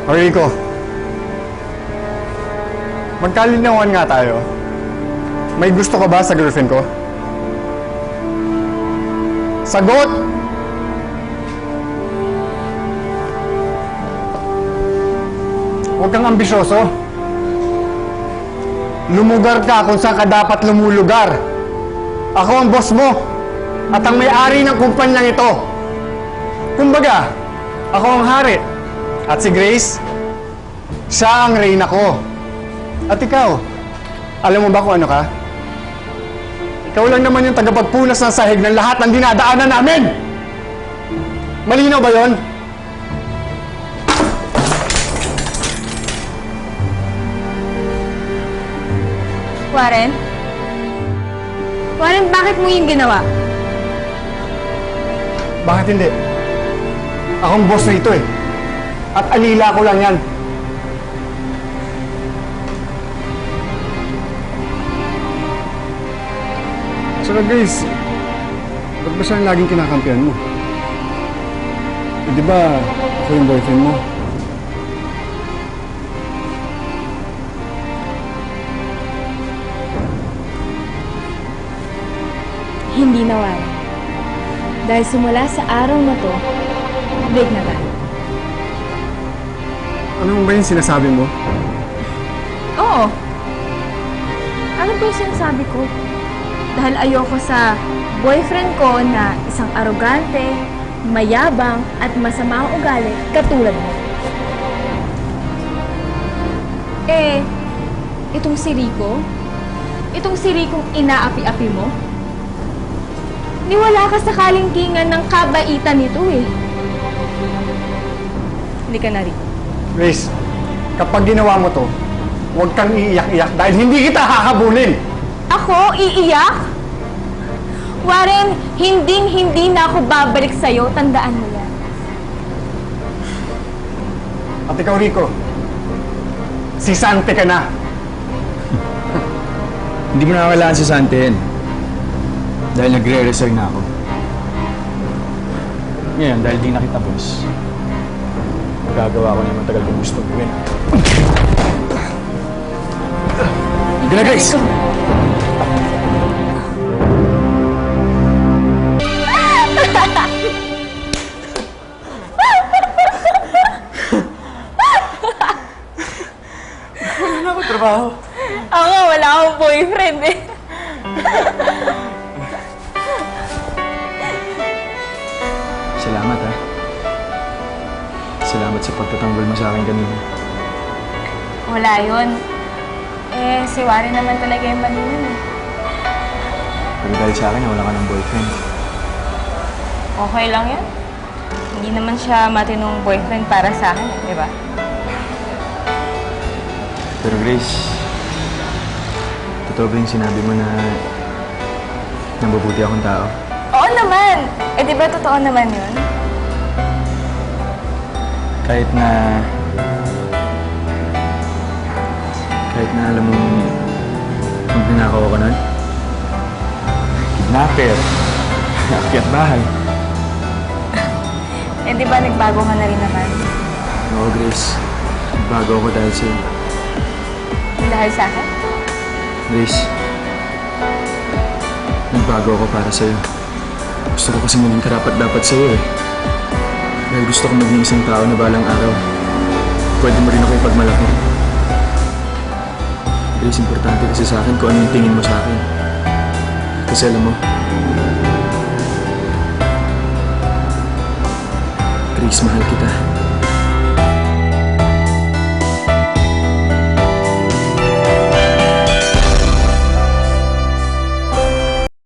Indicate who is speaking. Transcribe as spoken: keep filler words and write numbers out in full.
Speaker 1: O Rico, magkalinawan nga tayo. May gusto ka ba sa girlfriend ko? Sagot! Huwag kang ambisyoso. Lumugar ka kung saan ka dapat lumulugar. Ako ang boss mo at ang may-ari ng kumpanyang ito. Kumbaga, ako ang hari. At si Grace, siya ang reyna ko. At ikaw, alam mo ba kung ano ka? Ikaw lang naman yung tagapagpunas ng sahig ng lahat ng dinadaanan namin! Malinaw ba yon?
Speaker 2: Warren? Warren, bakit mo yung ginawa?
Speaker 1: Bakit hindi? Akong boss na ito eh. At alila ko lang yan. Saka guys, ba't ba siya ang laging kinakampihan mo? Eh, di ba ako yung boyfriend mo?
Speaker 2: Hindi na, Warren. Dahil simula sa araw na to, big na tayo.
Speaker 1: Ano ba yung sinasabi mo?
Speaker 2: Oo. Ano ba yung sinasabi ko? Dahil ayoko sa boyfriend ko na isang arogante, mayabang, at masama ang ugali katulad mo. Eh, itong si Rico? Itong si Rico'ng inaapi-api mo? Niwala ka sa kalingkingan ng kabaitan nito eh. Hindi ka na, Rico.
Speaker 1: Grace, kapag ginawa mo to, huwag kang iiyak-iyak dahil hindi kita hahabulin!
Speaker 2: Ako? Iiyak? Warren, hinding-hindi na ako babalik sa'yo. Tandaan mo yan.
Speaker 1: At ikaw, Rico, si Sante ka na.
Speaker 3: Hindi mo na kailangan si Santen. Dahil nagre-resign na ako. Ngayon, dahil di na kita, boss, magagawa ko na yung matagal kong gustong gawin. Gila, Grace!
Speaker 1: Wala na ako trabaho.
Speaker 2: Ako nga, wala akong boyfriend eh.
Speaker 3: Salamat, ha. Salamat sa pagtatanggol mo sa akin kanina.
Speaker 2: Wala yun. Eh, si Warren naman talaga yung mali yun eh.
Speaker 3: Pero dahil sa akin, wala ka ng boyfriend.
Speaker 2: Okay lang yan. Hindi naman siya matinong boyfriend para sa akin, di ba?
Speaker 3: Pero Grace, totoo ba yung sinabi mo na nabubuti akong tao?
Speaker 2: Oo naman! Eh, di ba totoo naman yun?
Speaker 3: Kahit na... Kahit na alam mong magnanakaw ako nun? Kidnapper. Akyat bahay.
Speaker 2: Eh, di ba nagbago ka na rin naman?
Speaker 3: Oo, Grace. Bago ako dahil sa'yo.
Speaker 2: Dahil sa akin?
Speaker 3: Grace, nagbago ako para sa'yo. Gusto ko kasi maging karapat-dapat sa'yo eh. Dahil gusto ko maging isang tao na balang araw. Pwede mo rin ako ipagmalaki. Grace, importante kasi sa akin kung ano yung tingin mo sa akin. Kasi alam mo, Grace, mahal kita.